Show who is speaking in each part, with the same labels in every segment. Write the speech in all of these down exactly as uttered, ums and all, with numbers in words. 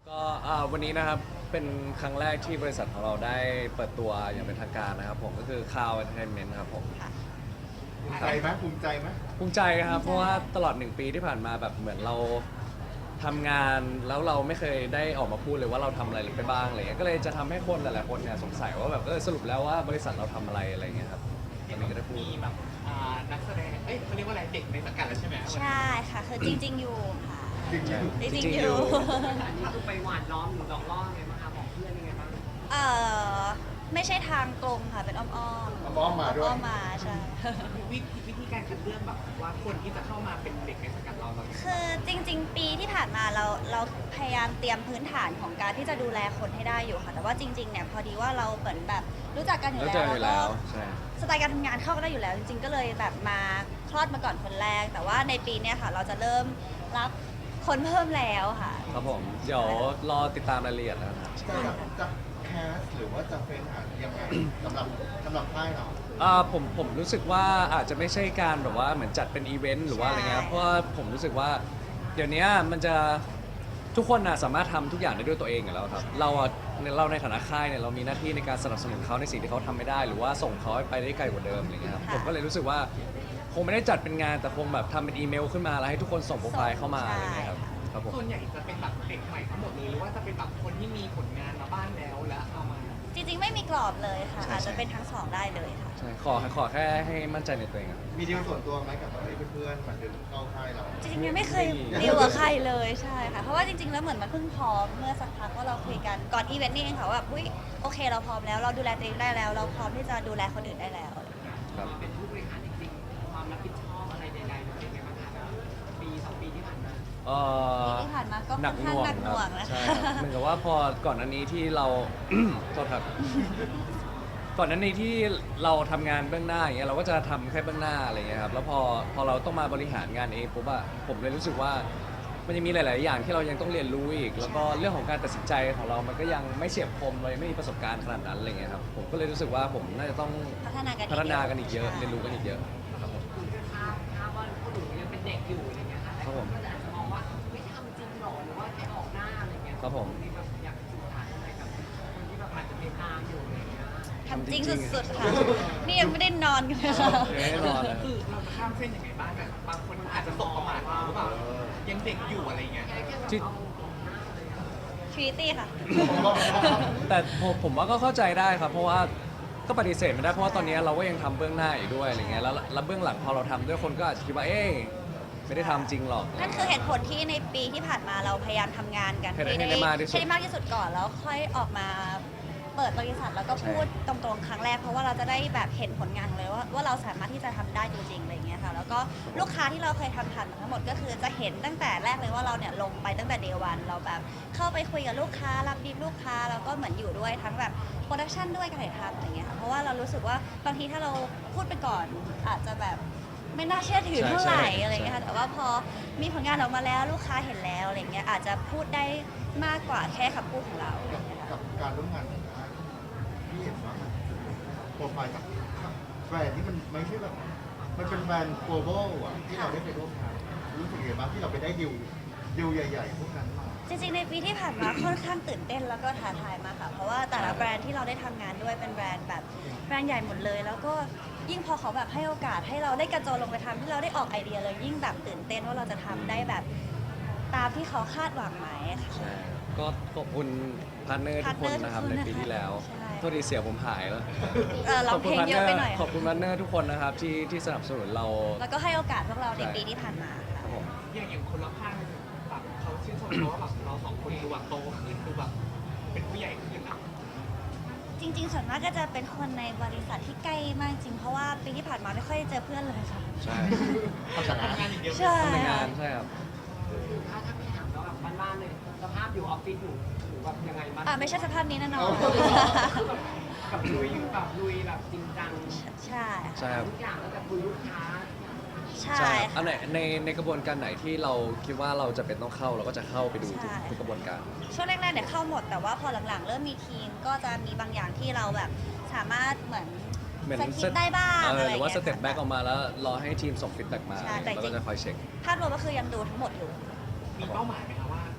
Speaker 1: ก็อ่าวันนี้นะครับเป็นครั้งแรกที่บริษัทของเราได้เปิดตัวอย่างเป็นทางการนะครับผมก็คือ Cloud Entertainment ครับผม
Speaker 2: ภูมิใจไหมภูมิใจไหม
Speaker 1: ภูมิใจครับเพราะว่าตลอดหนึ่งปีที่ผ่านมาแบบเหมือนเราทำงานแล้วเราไม่เคยได้ออกมาพูดเลยว่าเราทำอะไรไปบ้างอะไรเงี้ยก็เลยจะทำให้คนหลายๆคนเนี่ยสงสัยว่าแบบเออสรุปแล้วว่าบริษัทเราทำอะไรอะไรเงี้ยครับตอนนี้ก็ได้พูด
Speaker 3: มีแบบอ่านักแสดง เอ้ยเขาเรียกว่าอะไรเด็กในสังกัดแล้วใช่ไหม
Speaker 4: ใช่ค่ะ คือจริง ๆ อยู่ค่ะ
Speaker 2: จริงจริง
Speaker 4: จริง
Speaker 1: จริ
Speaker 4: ๆ
Speaker 1: ง
Speaker 4: อ
Speaker 1: ๆอยู่
Speaker 4: ยู่
Speaker 3: อันนี้คือไปหวานล้อมหรือหลอกล่อไงบ้างคะบอกเพื่อนยังไงบ้าง
Speaker 4: เอ่อไม่ใช่ทางตรงค่ะ เป็นอ้อมๆ
Speaker 2: อ้อมมาด้วย
Speaker 4: อ้อมๆมาใช่
Speaker 3: วิธีวิธีการคัดเลือกแบบว่าคนที่จะเข้ามาเป็นเด็กในสังกัดเราเรา
Speaker 4: คือจริง ๆ ปีที่ผ่านมาเราเราพยายามเตรียมพื้นฐานของการที่จะดูแลคนให้ได้อยู่ค่ะ แต่ว่าจริง ๆ เนี่ยพอดีว่าเราเหมือนแบบรู้จักกันอยู่
Speaker 1: แล้ว
Speaker 4: แล้
Speaker 1: เจ
Speaker 4: ว
Speaker 1: ออยู่
Speaker 4: แล้
Speaker 1: แล้ว
Speaker 4: ว
Speaker 1: ใช่
Speaker 4: สไตล์การทำงานเข้ากันได้อยู่แล้ว จริง ๆ ก็เลยแบบมาคลอดมาก่อนคนแรก แต่ว่าในปีเนี้ยค่ะ เราจะเริ่มรับคนเพิ่มแล้วค่ะ
Speaker 1: ครับผมเดี๋ยวรอติดตามรายละเอียดนะครับ
Speaker 2: จะจะแคสหรือว่าจะเป็นอ่ะยังไงสำหรับสำหรับค่ายเรา
Speaker 1: อ่าผมผมรู้สึกว่าอาจจะไม่ใช่การแบบว่าเหมือนจัดเป็นอีเวนต์หรือว่าอะไรเงี้ย
Speaker 4: ใช่
Speaker 1: เพราะว่าผมรู้สึกว่าเดี๋ยวนี้มันจะทุกคนนะสามารถทำทุกอย่างได้ด้วยตัวเองอยู่แล้วครับเราอะเราในฐานะค่ายเนี่ยเรามีหน้าที่ในการสนับสนุนเขาในสิ่งที่เขาทำไม่ได้ หรือว่าส่งเขาไปได้ไกลกว่าเดิมอะไรเงี้ยครับผมก็เลยรู้สึกว่าคงไม่ได้จัดเป็นงานแต่คงแบบทำเป็นอีเมลขึ้นมาแล้วให้ทุกคนส่งโปรไฟล์เข้ามาอะไรเงี้ยครับครับผม
Speaker 3: ส่วนใหญ่จะเป็นแบบเด็กใหม่ทั้งหมดเลยหรือว่าจะเป็นแบบคนที่มีผลงานมาบ้างแล้วแล้วเอามา
Speaker 4: จริง ๆ ไม่มีกรอบเลยค่ะ
Speaker 1: ใช่
Speaker 4: อาจ
Speaker 1: ใช่
Speaker 4: จะเป็นทั้งสองได้เลยค่ะ
Speaker 1: ใช่ขอขอแค่ให้มั่นใจในตัวเองอะ
Speaker 2: มีดีลส่วนตัวไหมกับเพื่อนๆมาดึงเข้าค่ายเรา
Speaker 4: จริงๆยังไม่เคย
Speaker 1: ไม่มี
Speaker 4: ดีลกับใครเลยใช่ค่ะ เพราะว่าจริง ๆ แล้วเหมือนมันเพิ่งพร้อมเมื่อสักพักว่าเราคุยกันก่อนอีเวนต์นี่เองค่ะว่าแบบอุ้ยโอเคเราพร้อมแล้วเราดูแลตัวเองได้แล้ว เราพร้อมที่จะดูแลคนอื่นได้แล้ว
Speaker 1: ครับ
Speaker 3: เป็นผู้บริหารจริงๆความรับผิดชอบอะไรใดๆเป็นไงบ้างคะปีสองปีที่ผ่านมา
Speaker 1: เอ่อ
Speaker 4: ปีที่ผ่านมาก็
Speaker 1: หนักหน่วง
Speaker 4: ค่อนข้างหนักหน่วง
Speaker 1: ครับ
Speaker 4: นะคะ
Speaker 1: ใช่ครับเหมือนกับว่าพอก่อนอันนี้ที่เรา โทษครับ ก่อนหนั้นนี้ที่เราทำงานเบื้องหน้าอย่างเงี้ยเราก็จะทำแค่เบื้องหน้าอะไรเงี้ยครับแล้วพอพอเราต้องมาบริหารงานเองปุ๊บอะผมเลยรู้สึกว่ามันยังมีหลาย ๆ อย่างที่เรายังต้องเรียนรู้อีก แล้วก็เรื่องของการตัดสินใจของเรามันก็ยังไม่เฉียบคมเรายังไม่มีประสบการณ์ขนาดนั้นอะไรเงี้ยครับผมก็เลยรู้สึกว่าผมน่าจะต้อง
Speaker 4: พัฒนากันอีก
Speaker 1: พัฒนากันอีกเยอะ
Speaker 4: ใช่
Speaker 1: เรียนรู้กันอีกเยอะครับผม
Speaker 3: คุณจะทราบทราบว่าคนหนูยังเป็นเด็กอยู่อะไรเงี้ยค่ะแต่
Speaker 1: ครับ
Speaker 3: ค
Speaker 1: ผ
Speaker 3: น
Speaker 1: ม
Speaker 3: ก็จะอาจจะมองว่าไม่ทำจริงหรอหรือว่าแค่ออกหน้าอะไรเงี้ย
Speaker 1: ครับผม
Speaker 3: ที่แบบอยากสื่อสารอะไรกับคนที่แบบอาจจะติดตามอยู่อะไรเงี้ย
Speaker 4: ทำจริงสุดๆค่ะ นี่ยังไม่ได้นอนกันเลย
Speaker 1: ยังไม่ได้นอนเลย
Speaker 3: คือเราจะข้ามเส้นยังไงบ้างแบบบางคนอาจจะตกประมาทเราหรือเปล่ายังเด็กอยู่อะไรเงี้ย
Speaker 1: ที่
Speaker 4: ทรีตี้ค่ะ
Speaker 1: แต่ผมผมว่าก็เข้าใจได้ครับ เพราะว่าก็ปฏิเสธไม่ได้เพราะว่าตอนนี้เราก็ยังทำเบื้องหน้าอยู่ด้วยอะไรเงี้ยแล้วแล้วเบื้องหลังพอเราทำด้วยคนก็อาจจะคิดว่าเอ๊ะไม่ได้ทำจริงหรอก
Speaker 4: นั่นคือเหตุผลที่ในปีที่ผ่านมาเราพยายามทำงานกัน
Speaker 1: ให้ได้ให้ได้มากที่สุด
Speaker 4: ให้ได้มากที่สุดก่อนแล้วค่อยออกมาเปิดบริษัทแล้วก็พูดตรงๆครั้งแรกเพราะว่าเราจะได้แบบเห็นผลงานเลยว่าว่าเราสามารถที่จะทำได้จริงๆอะไรอย่างเงี้ยค่ะแล้วก็ลูกค้าที่เราเคยทำผ่านมาทั้งหมดก็คือจะเห็นตั้งแต่แรกเลยว่าเราเนี่ยลงไปตั้งแต่เดวันเราแบบเข้าไปคุยกับลูกค้ารับดีลลูกค้าแล้วก็เหมือนอยู่ด้วยทั้งแบบโปรดักชันด้วยการถ่ายทำอะไรอย่างเงี้ยค่ะเพราะว่าเรารู้สึกว่าบางทีถ้าเราพูดไปก่อนอาจจะแบบไม่น่าเชื่อถือเท่าไหร่อะไรอย่างเงี้ยค่ะแต่ว่าพอมีผลงานออกมาแล้วลูกค้าเห็นแล้วอะไรเงี้ยอาจจะพูดได้มากกว่าแค่คำพูดของเรา
Speaker 2: กับกับการร่วมงานของค่ายพี่เห็นว่ามันโปรไฟล์กับแบรนด์ที่มันไม่ใช่แบบมันเป็นแบรนด์ global อ่ะที่เราได้ไปร่วมงานรู้สึกยังไงบ้างที่เราไปได้ดิวดิวใหญ่ๆพวกนั้นมา
Speaker 4: จริงๆ ในปีที่ผ่านมาค่อนข้างตื่นเต้นแล้วก็ท้าทายมากค่ะ เพราะว่าแต่ละแบรนด์ที่เราได้ทำงานด้วยเป็นแบรนด์แบบแบรนด์ใหญ่หมดเลย แล้วก็ยิ่งพอเขาแบบให้โอกาสให้เราได้กระโจนลงไปทำที่เราได้ออกไอเดียเลยยิ่งแบบตื่นเต้นว่าเราจะทำได้แบบตามที่เขาคาดหวังไหมค่ะ
Speaker 1: ใช่ก็ขอบคุณพาร์ทเนอร์ทุกคนนะครับ
Speaker 4: พาร์ทเน
Speaker 1: ใน
Speaker 4: อร์ทุกคน
Speaker 1: ปีที่แล้ว
Speaker 4: ใช่
Speaker 1: โทษทีเสียงผมหายแล้ว
Speaker 4: เออร้องเพลงเยอะไปหน่อย
Speaker 1: ขอบคุณพาร์ทเนอร์ทุกคนนะครับที่ที่สนับสนุนเรา
Speaker 4: แล้วก็ให้โอกาสพวกเราใน
Speaker 1: ใช่
Speaker 4: ปีที่ผ่านมา
Speaker 1: ค
Speaker 4: ค่ะ
Speaker 1: รับผม
Speaker 3: อย่างอย่างคนรอบข้างแบบเขาชื่นชมเราว่าแบบเราสองคนดูแบบโตขึ้นดูแบบเป็นผู้ใหญ่ขึ้นอ่ะ
Speaker 4: จริงๆส่วนมากก็จะเป็นคนในบริษัทที่ใกล้มากจริง เพราะว่าปีที่ผ่านมาไม่ค่อยเจอเพื่อนเลยค่ะ
Speaker 1: ใช่
Speaker 2: เขาชนะ
Speaker 3: ทำงานอย่างเดียว
Speaker 4: ใช่
Speaker 1: ทำงานใช่ครับ
Speaker 3: ถ้าถ้าไม่ถามแล้วแบบบ้านๆเลยสภาพอยู่ออฟฟิศอยู่หรือแบบยังไงบ้าง
Speaker 4: อ่าไม่ใช่สภาพนี้แน่นอน
Speaker 3: แบบลุยอยู่แบบลุยแบบจริงจัง
Speaker 4: ใช่
Speaker 1: ใช่ครับ
Speaker 3: ทุกอย่างแล้วแต่คุยลูกค้า
Speaker 4: ใช่
Speaker 1: ใช่อั
Speaker 4: ค่ะ
Speaker 1: นไหนในในกระบวนการไหนที่เราคิดว่าเราจะเป็นต้องเข้าเราก็จะเข้าไปดูทุก
Speaker 4: ใช่
Speaker 1: ทุกกระบวนการ
Speaker 4: ช่วงแรกๆเนี่ยเข้าหมดแต่ว่าพอหลังๆ เริ่มมีทีมก็จะมีบางอย่างที่เราแบบสามารถเหมือน
Speaker 1: เหมือน
Speaker 4: สกิปได้บ้าง
Speaker 1: เอ
Speaker 4: อะไร
Speaker 1: อหรือว่าส
Speaker 4: ย่ง
Speaker 1: เต็
Speaker 4: งี้
Speaker 1: ป
Speaker 4: ย
Speaker 1: แบ็กออกมาแล้วรอให้ทีมส่งฟีดแบ็กมา
Speaker 4: ใช่แต่
Speaker 1: แล้ว
Speaker 4: จริ
Speaker 1: ก็
Speaker 4: ง
Speaker 1: จะคอยเช็ค
Speaker 4: ภาพรวมก็คือยังดูทั้งหมดอยู่
Speaker 3: มีเป้าหมายไหมคะว่า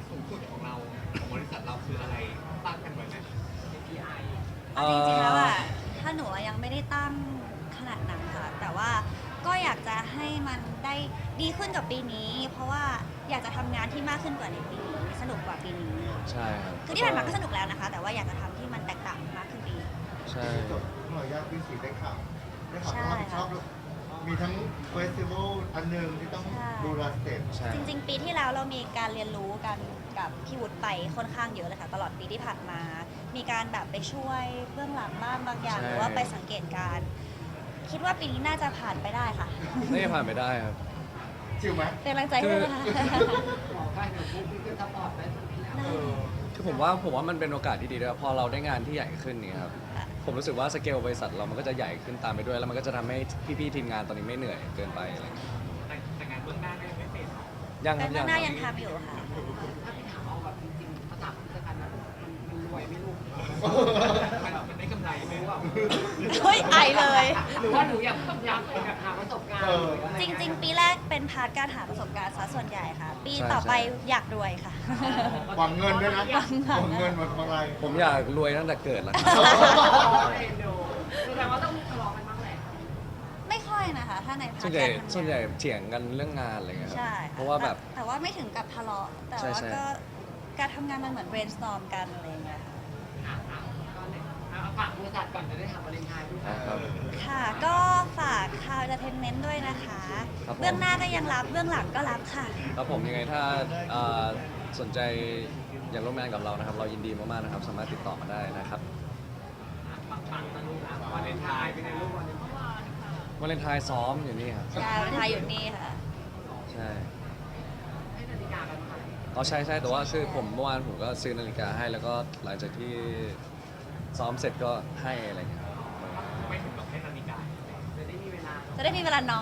Speaker 3: สูงสุดของเราของบริษัทเราคืออะไรตั้งกันไว้ไหม
Speaker 4: เอาจริงๆแล้วอ่ะถ้าหนูอะยังไม่ได้ตั้งขนาดนั้นค่ะ แต่ว่าก็อยากจะให้มันได้ดีขึ้นกับปีนี้ เพราะว่าอยากจะทำงานที่มากขึ้นกว่าในปีนี้สนุกกว่าปีนี้
Speaker 1: ใช่ครับ
Speaker 4: คือที่ผ่านมาก็สนุกแล้วนะคะ แต่ว่าอยากจะทำที่มันแตกต่างมากขึ้นปีนี้
Speaker 1: ใช่
Speaker 2: จบหน่วยยากวิสีได้ข่าวได้ข่าว
Speaker 4: ใช่
Speaker 2: ว่ารับผิดชอบมีทั้งเฟสติวัลอันหนึ่งที่ต้อง
Speaker 4: ใช่
Speaker 2: ดูแลสเต็ป
Speaker 1: ใช่
Speaker 4: จริงๆ ปีที่แล้วเรามีการเรียนรู้กันกับพี่วุฒิไปค่อนข้างเยอะเลยค่ะตลอดปีที่ผ่านมา มีการแบบไปช่วยเบื้องหลังบ้างบางอย่าง
Speaker 1: ใช่
Speaker 4: หรือว่าไปสังเกตการณ์คิดว่าปีนี้น่าจะผ่านไปได้ค่ะ
Speaker 1: นี่ผ่านไปได้ครับ
Speaker 2: ชิวไหม
Speaker 4: เป็นกำลังใจให้ด้วยนะคะ
Speaker 5: บอกได้เดี๋ยวพวกพี่ก็จะปลอดได้สักทีแล้ว
Speaker 2: เออ
Speaker 1: คือผมว่าผมว่ามันเป็นโอกาสที่ดีด้วยพอเราได้งานที่ใหญ่ขึ้นนี่ครับ
Speaker 4: ค่ะ
Speaker 1: ผมรู้สึกว่าสเกลบริษัทเรามันก็จะใหญ่ขึ้นตามไปด้วย แล้วมันก็จะทำให้พี่ๆทีมงานตอนนี้ไม่เหนื่อยเกินไปอะไรอย่างเงี้ย
Speaker 3: แต่แต่งานเบื้องหน้าก็ยังไม่เสร็จ
Speaker 1: ยังค
Speaker 4: เป็
Speaker 1: รับ
Speaker 4: นหน้า
Speaker 1: ค
Speaker 4: ยั
Speaker 1: รับ
Speaker 4: งทำอยู่ค่ะ
Speaker 5: ถ้าพี่ถามเอาแบบจริงๆภาษาพิจารณามันมันรวยไม่รู้
Speaker 3: มันมันได้กำไรไหมว่า
Speaker 4: เฮ้ยไอเลย
Speaker 5: หรือว่าหนูอยากอยากอยากหาประสบการณ์
Speaker 2: เออ
Speaker 4: จริง ๆ ปีแรกเป็นพาร์ทการหาประสบการณ์ซะส่วนใหญ่ค่ะ ปี
Speaker 1: ใช่
Speaker 4: ต่อไป
Speaker 1: ใช่
Speaker 4: อยากรวยค่ะ
Speaker 2: หวังเงินด้วยนะ
Speaker 4: หวังเงิน
Speaker 2: หวังเงินหวังอะไร
Speaker 1: ผมอยากรวยตั้งแต่เกิดแล้วครับ
Speaker 5: เอ็นดูแสดงว่าต้องทะเลาะกันบ้างแหละ
Speaker 4: ไม่ค่อยนะคะ ถ้าในพา
Speaker 1: ส่
Speaker 4: ร์
Speaker 1: ว
Speaker 4: ท
Speaker 1: นใหญ่
Speaker 4: การทำงาน
Speaker 1: ส่วนใหญ่เถียงกันเรื่องงานอะไรเงี้ยครับ
Speaker 4: ใช่ค่
Speaker 1: เพราะว่าแบบ
Speaker 4: แต่แต่ว่าไม่ถึงกับทะเลาะ แต่
Speaker 1: ใช่
Speaker 4: ว่า
Speaker 1: ใช่
Speaker 4: ก็การทำงานมันเหมือน brainstorm กันอะไรอย่างเงี้ยค่ะ
Speaker 5: อ่ะอ่ะก็เลยเอาฝากบริษัทก่อนจะได้ทำวาเลนไทน์ด้วย
Speaker 1: อ่าครับ
Speaker 4: ค่ะ ก็ฝากคาว entertainment ด้วยนะคะ
Speaker 1: ครับผม
Speaker 4: เบื้องหน้าก็ยังรับ เบื้องหลังก็รับค่ะ
Speaker 1: ครับผมยังไงถ้าเอ่อสนใจอยากร่วมงานกับเรานะครับ เรายินดีมากๆนะครับ สามารถติดต่อมาได้นะครับ
Speaker 3: ปังปังๆนะลูกนะวาเลนไทน์เป็นไงลูกวาเลนไทน์
Speaker 1: วาเลนไทน์ซ้อมอยู่นี่ครับ
Speaker 4: ใช่ไทยอยู่นี่ค่ะ
Speaker 1: ใช่
Speaker 5: ให้นาฬิกากันค่ะ
Speaker 1: อ๋อใช่ใช่แต่ว่าคือผมเมื่อวานผมก็ซื้อนาฬิกาให้แล้วก็หลังจากที่ซ้อมเสร็จก็ให้อะไรอย่างเงี้ยครับ
Speaker 3: ไม่ถึงกับให้นาฬิกา
Speaker 5: จะได้มีเวลา
Speaker 4: จะได้มีเวลานอน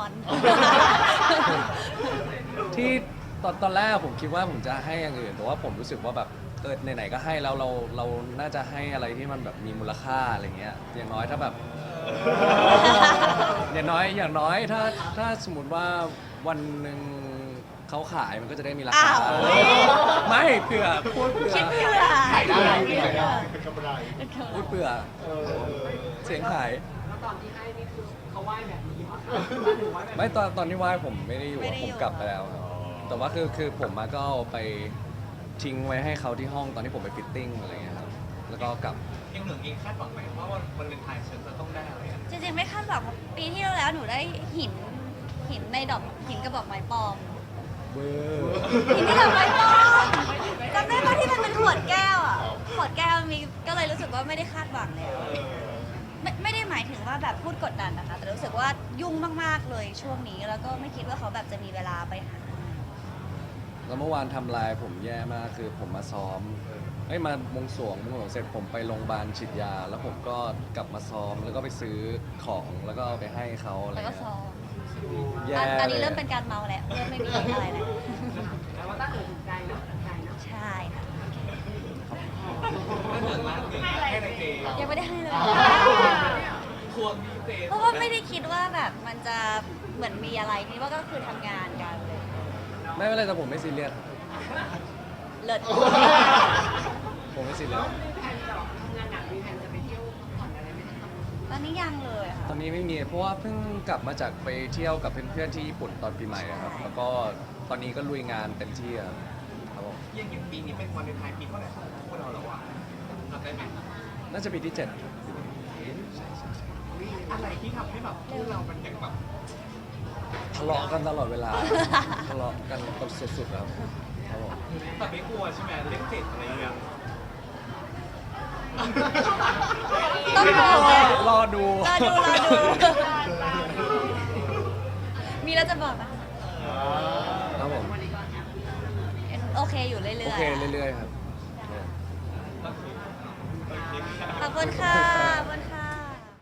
Speaker 1: ที่ตอนตอนแรกผมคิดว่าผมจะให้อย่างอื่น แต่ว่าผมรู้สึกว่าแบบเออไหนๆก็ให้แล้วเราเราน่าจะให้อะไรที่มันแบบมีมูลค่าอะไรเงี้ยอย่างน้อยถ้าแบบ อย่างน้อยอย่างน้อยถ้าถ้าสมมติว่าวันหนึ่งเขาขายมันก็จะได้มีราคา
Speaker 4: อ้าว
Speaker 1: ไม่เผื่อพูดเผื่อ
Speaker 4: คิดเพื่อ
Speaker 2: ขายได้
Speaker 4: คิ
Speaker 2: ขาย
Speaker 4: เผื่
Speaker 2: ได้
Speaker 4: อ
Speaker 2: เป็นกำไร
Speaker 1: พูดเผื่อ
Speaker 2: เออ
Speaker 1: เสียงขาย
Speaker 5: แล้วตอนที่ให้นี่คือเขาไหว้แบบนี้ป่ะหรือไหว้แบบ
Speaker 1: ไม่ตอนตอนที่ไหว้ผมไม่ได้อยู่
Speaker 4: ไม่
Speaker 1: อะ
Speaker 4: ได้
Speaker 1: ผ
Speaker 4: อยู่
Speaker 1: มกลับไปแล้วครับแต่ว่าคือคือผมมาก็เอาไปทิ้งไว้ให้เขาที่ห้องตอนที่ผมไปฟิตติ้งอะไรเงี้ยครับแล้วก็กลับ
Speaker 3: ยังเหลืองเองคาดหวังไหมว่าวันวาเลนไทน์ฉันจะต้องได้อะไรอะ
Speaker 4: จริงๆไม่คาดหวังเพราะปีที่แล้วหนูได้หินหินในดอกหินกระบอกไม้ปลอม
Speaker 1: เบอร์
Speaker 4: หินในดอกไม้ปลอมจำได้ปะที่มันเป็นขวดแก้วอ่ะขวดแก้วมีก็เลยรู้สึกว่าไม่ได้คาดหวังแล้วไม่ไม่ได้หมายถึงว่าแบบพูดกดดันนะคะ แต่รู้สึกว่ายุ่งมากๆเลยช่วงนี้ แล้วก็ไม่คิดว่าเขาแบบจะมีเวลาไปหา
Speaker 1: แล้วเมื่อวานทำลายผมแย่มากคือผมมาซ้อมเอ้ยมามงสรวงมงสรวงเสร็จผมไปโรงพยาบาลฉีดยา แล้วผมก็กลับมาซ้อมแล้วก็ไปซื้อของแล้วก็เอาไปให้เขาอะไร
Speaker 4: แล้วก็
Speaker 1: เงี้ย
Speaker 4: ซ้อม
Speaker 1: แย่
Speaker 4: อ่ะตอนนี้
Speaker 1: ลย
Speaker 4: เริ่มเป็นการเมาแล้วเริ่มไม่มีอะไรแล้ว
Speaker 5: แต่ว่าตั้งเออถูกใจเนาะถูกใจเนาะ
Speaker 4: ใช่ค่ะ
Speaker 3: ถ้าเหลืองร้านหนึ่งให้ในเจ
Speaker 4: ยังไม่ได้ให้เลย
Speaker 3: ทวงดีเจ
Speaker 4: เพราะว่าไม่ได้คิดว่าแบบมันจะเหมือนมีอะไรนี่ว่าก็คือทำงานกันเลย
Speaker 1: ไม่เป็นไรแต่ผมไม่ซีเรียส
Speaker 4: เลิศ
Speaker 1: ผมไม่ซีเรียส
Speaker 5: แผนจะทำงานหนักมีแผนจะไปเที่ยวพักผ่อนอะไรไหมคะ
Speaker 4: ตอนนี้ยังเลยค่ะ
Speaker 1: ตอนนี้ไม่มีเพราะว่าเพิ่งกลับมาจากไปเที่ยวกับเพื่อนๆที่ญี่ปุ่นตอนปีใหม่อะครับ แล้วก็ตอนนี้ก็ลุยงานเต็มที่อะครับผม
Speaker 3: ยังอย่างปีนี้เป็นวาเลนไทน์ปีเท่าไหร่ของพวกเราแล้วอะจำได้ไหม
Speaker 1: น่าจะปีที่เจ็ด
Speaker 3: อะไรที่ทำให้แบบพวกเรามันยังแบบ
Speaker 1: ทะเลาะกันตลอดเวลา ทะเลาะกันแบบสุดๆครับครับผม
Speaker 3: แต่ไม่กลัวใช่ไหมเลขเจ็ดอะไรอย่างเงี้ย
Speaker 4: ต้องรอ
Speaker 1: รอดู
Speaker 4: รอดูรอดู มีแล้วจะบอกนะ
Speaker 1: ครับผม
Speaker 4: โอเคอยู่เรื่อยๆ
Speaker 1: โอเคเรื่อยๆครับ
Speaker 3: ก็คือโอเค
Speaker 4: ขอบคุณค่ะ